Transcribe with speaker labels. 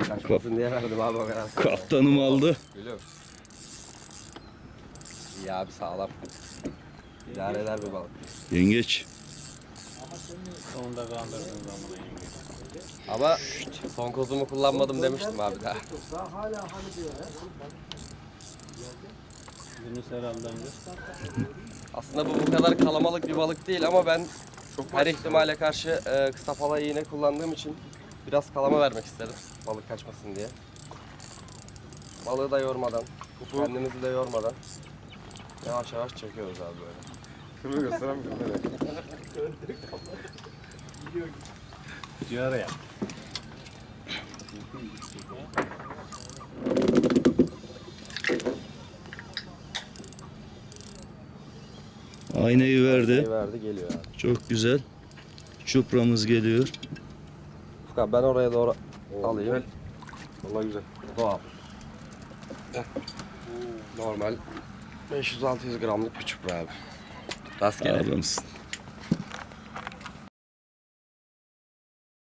Speaker 1: Kaçmasın diye verdim abi o kadar.
Speaker 2: Kaptanım aldı.
Speaker 1: Gülüm. İyi abi sağlam. İdare eder bir balık.
Speaker 2: Yengeç.
Speaker 3: Sonunda kandırdın zamanı yenge.
Speaker 1: Ama son kozumu kullanmadım demiştim abi daha.
Speaker 3: Yunus herhalde önce.
Speaker 1: Aslında bu kadar kalabalık bir balık değil ama ben her ihtimale karşı kısa pala iğne kullandığım için biraz kalama vermek istedim. Balık kaçmasın diye. Balığı da yormadan, kendimizi de yormadan yavaş yavaş çekiyoruz abi böyle.
Speaker 4: Kırmızı gösteremiyorum böyle.
Speaker 3: Ciğer ya.
Speaker 2: Aynayı verdi.
Speaker 1: Şey verdi geliyor abi.
Speaker 2: Çok güzel. Çupramız geliyor.
Speaker 1: Furkan ben oraya doğru alayım.
Speaker 4: Güzel. Vallahi güzel.
Speaker 1: Doğal. Normal 500-600 gramlık bir çupra abi. Rastgele.
Speaker 2: Adamsın.